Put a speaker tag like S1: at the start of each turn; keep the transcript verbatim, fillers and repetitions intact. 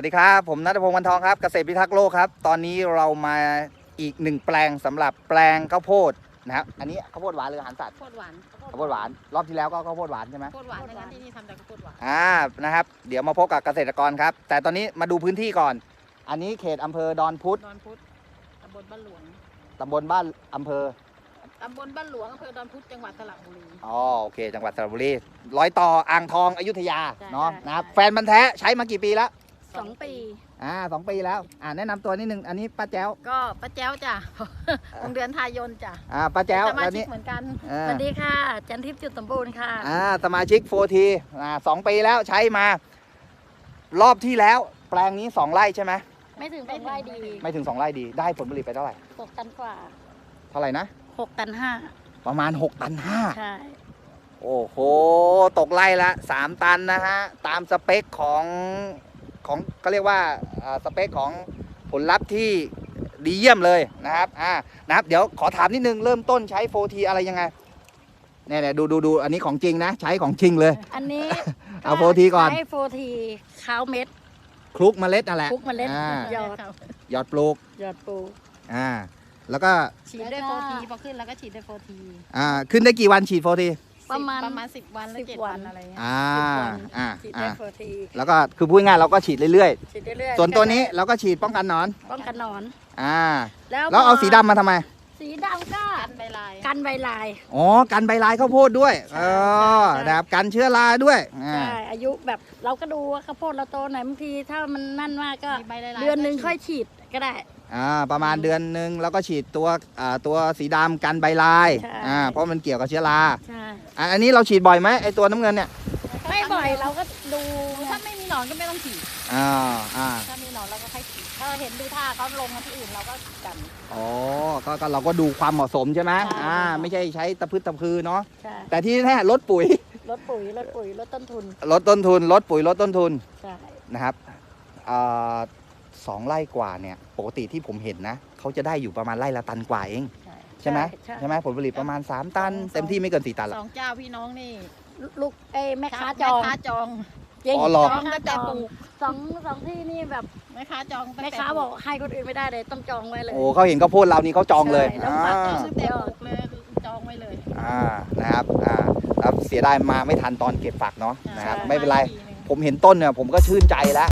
S1: สดีครับผมณัฐพงศ์ วรรณทองครับเกษตรพิทักษ์โลกครับตอนนี้เรามาอีกหนึ่งแปลงสำหรับแปลงข้าวโพดนะครับอันนี้ข้าวโพดหวานหรืออาหารสัตว์
S2: ข้าวโพดหวาน
S1: ข้าวโพดหวานรอบที่แล้วก็ข้าวโพดหวานใช่ไหม
S2: ข้าวโพดหวานในร้านที่นี่ทำแต่ข้าวโพดหวาน
S1: อ่านะครับเดี๋ยวมาพบกับเกษตรกรครับแต่ตอนนี้มาดูพื้นที่ก่อนอันนี้เขตอำเภอดอนพุธ
S2: ดอนพุธตำบลบ้านหลวง
S1: ตำบลบ้านอำเภอ
S2: ตำบลบ้านหลวงอำเภอดอนพุธจังหวัดสระบุรี
S1: อ๋อโอเคจังหวัดสระบุรีร้อยต่ออ่างทองอยุธยา
S2: ใช่
S1: เนาะ
S2: ใช่
S1: นะครับ
S2: ใช่
S1: แฟนบันธุ์แท้ใช้มากี่ปีแล้ว
S2: สองปี
S1: อ่าสองปีแล้วอ่าแนะนำตัวนิดนึงอันนี้ป้าแจ้ว
S2: ก็ป้าแจ้วจ้ะ วงเดือนทายนจ้ะ
S1: อ่าป้าแจ้ว
S2: สมา
S1: แล้ว
S2: ชิก
S1: นี่
S2: เหมือนกัน
S1: อ่า
S2: สวัสดีค่ะ จันทิพย์จุดสมบูรณ์ค่ะ
S1: อ่าสมาชิกโฟทีอ่าสองปีแล้วใช้มา รอบที่แล้ว แปลงนี้สองไร่ใช่ไหม
S2: ไม่ถึงสองไร่ดี
S1: ไม่ถึงสองไร่ดีได้ผลผลิตไปเท่าไหร่
S2: หกตันกว่า
S1: เท่าไหร่นะ
S2: หกตันห้า
S1: ประมาณหกตันห้า
S2: ใช่
S1: โอ้โหตกไร่ละสามตันนะฮะตามสเปคของของก็เรียกว่าอ่าสเปคของผลลัพธ์ที่ดีเยี่ยมเลยนะครับอ่านะครับเดี๋ยวขอถามนิดนึงเริ่มต้นใช้โฟทีอะไรยังไงเนี่ยเนี่ยดูดูดูอันนี้ของจริงนะ ใช้ของจริงเลย
S2: อันนี้
S1: เอาโฟทีก่อน
S2: ใช้โฟทีข้าวเม็ด
S1: คลุกเมล็ดนั่นแหละ
S2: คลุกเมล็ด
S1: อ่า
S2: หยอด
S1: หยอดปลูก
S2: หยอดปู
S1: อ่าแล้วก็
S2: ฉีดด้วยโฟทีพอขึ้นแล้วก็ฉีดด้วยโฟที
S1: อ่าขึ้นได้กี่วันฉีดโฟที
S2: ประมาณประมาณสิบวันหรือเจ็ดวันอะไรเงี้ย
S1: อ่า
S2: สิบวัน
S1: อ่า
S2: ฉีด
S1: อ่า
S2: ได้โฟที
S1: แล้วก็คือพูดง่ายๆเราก็ฉีดเรื่อย
S2: ฉีดเรื่อย
S1: ๆ
S2: ๆ
S1: ส่วนตัวนี้เราก็ฉีดป้องกันหนอน
S2: ป้องกันหนอน
S1: อ่า
S2: แล้ว
S1: แล้วเอาสีดำมาทำไม
S2: สีดำก็กันใบลายกันใบลาย
S1: อ๋อกันใบลายข้าวโพดด้วยเออนะครับกันเชื้อราด้วยอ่า
S2: ใช่อายุแบบเราก็ดูว่าข้าวโพดเราโตไหนบางทีถ้ามันนั่นมากก็
S3: มีใบลายๆ
S2: เดือนหนึ่งค่อยฉีดก็ได้
S1: อ่าประมาณเดือนหนึ่งแล้วก็ฉีดตัวอ่าตัวสีดำกันใบลาย
S2: ใช่
S1: อ่าเพราะมันเกี่ยวกับเชื้อรา
S2: ใช่
S1: อ่าอันนี้เราฉีดบ่อยไหมไอตัวน้ำเงินเนี่ย
S2: ไม่บ่อยเราก็ดู
S3: ถ้าไม่มีหนอนก็ไม่ต้องฉีด
S1: อ่าอ่า
S2: ถ้ามีหนอนเราก็ค่อยฉีดถ้าเห็นดูท่าเขาลงมาที่อื่นเราก็กัน
S1: อ๋อก็ก็เราก็ดูความเหมาะสมใช่ไหม
S2: ใช่
S1: อ่าไม่ใช่ใช้ตะพืชตะพือเนาะ
S2: ใช่
S1: แต่ที่แน่ลดปุ๋ย
S2: ลดปุ๋ยลดปุ๋ยลดต้นทุน
S1: ลดต้นทุนลดปุ๋ยลดต้นทุน
S2: ใช่
S1: นะครับอ่าสองไร่กว่าเนี่ยปกติที่ผมเห็นนะเขาจะได้อยู่ประมาณไร่ละตันกว่าเอง
S2: ใช่
S1: ใช่ไหม
S2: ใช่
S1: ใช่ไหมผลผลิตประมาณสามตัน เต็มที่ไม่เกินสี่ตันหร
S3: ส
S1: อก
S3: องเจ้าพี่น้องนี่
S2: ลูกเอ้ยแม่ค้าจ
S3: แม่
S2: อง
S3: ค้าจอง
S2: จริง
S1: อ๋อเหรอ
S2: แม่ค้าจอง
S3: ปลูก
S2: สองสองที่นี่แบบ
S3: แม่ค้าจองตั้ง
S2: แม่
S3: แต่
S2: ค้าบอกให้คนอื่นไม่ได้เลยต้องจองไว้เลย
S1: โอ้เขาเห็นข้าวโพดเรานี่เขาจองเลย
S2: ใช่แล้ว
S1: อ่า
S2: ฝากจอง
S3: ตั้งแต่ปลูกเลยจองไว้เลย
S1: อ่านะครับอ่าครับเสียดายมาไม่ทันตอนเก็บฝักเนาะนะครับ
S2: ใช่
S1: ไม่เป็นไร
S3: ปีหนึ่ง
S1: ผมเห็นต้นเนี่ยผมก็ชื่นใจแล้ว